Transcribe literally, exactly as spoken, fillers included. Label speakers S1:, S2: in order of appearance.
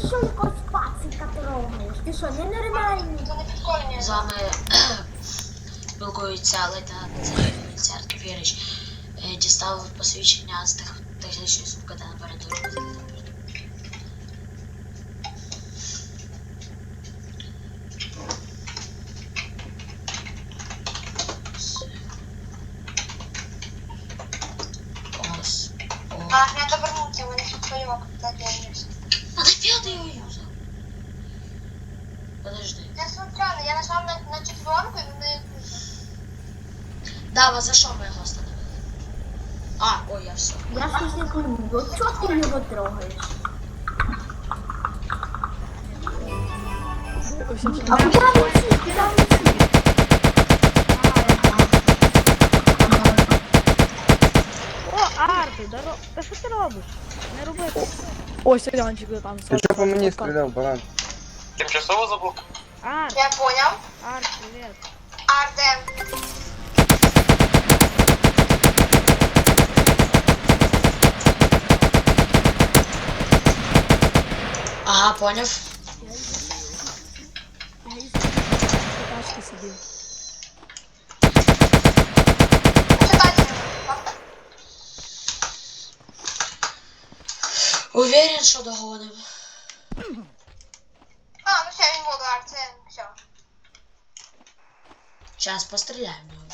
S1: що якось пацика трогаєш? Ти що, ненормальний?
S2: Це не підкорення.
S3: З вами спілкується лейтенант Цар Тупірич. Дістав посвідчення з тех- технічної сумки та напереду робити. Ось. О.
S2: А, надо вернуть его, не своего, когда делаешь.
S3: Надо пятый его юзал. Подожди.
S2: Я случайно, я нажал на, на четверку и на
S3: Дава, за що ми його остановили? А, ой, я все.
S1: Я щось не пойму, от чого ти його трогаєш? А куди він сів? Куди він сів?
S4: О, Арти, здорово. Та що ти робиш? Не роби так.
S5: Ось Янчик там.
S6: Ты что по мне стрелял, баран?
S7: Тимчасово забув?
S4: Арт,
S2: Я понял.
S4: Арт, привіт.
S2: Артем.
S3: Ага, поняв.
S5: Я із тачки сидів.
S2: Читайте.
S3: Уверен, що догоним.
S2: А, ну все, він воду, Артем, все.
S3: Сейчас постріляємо в нього.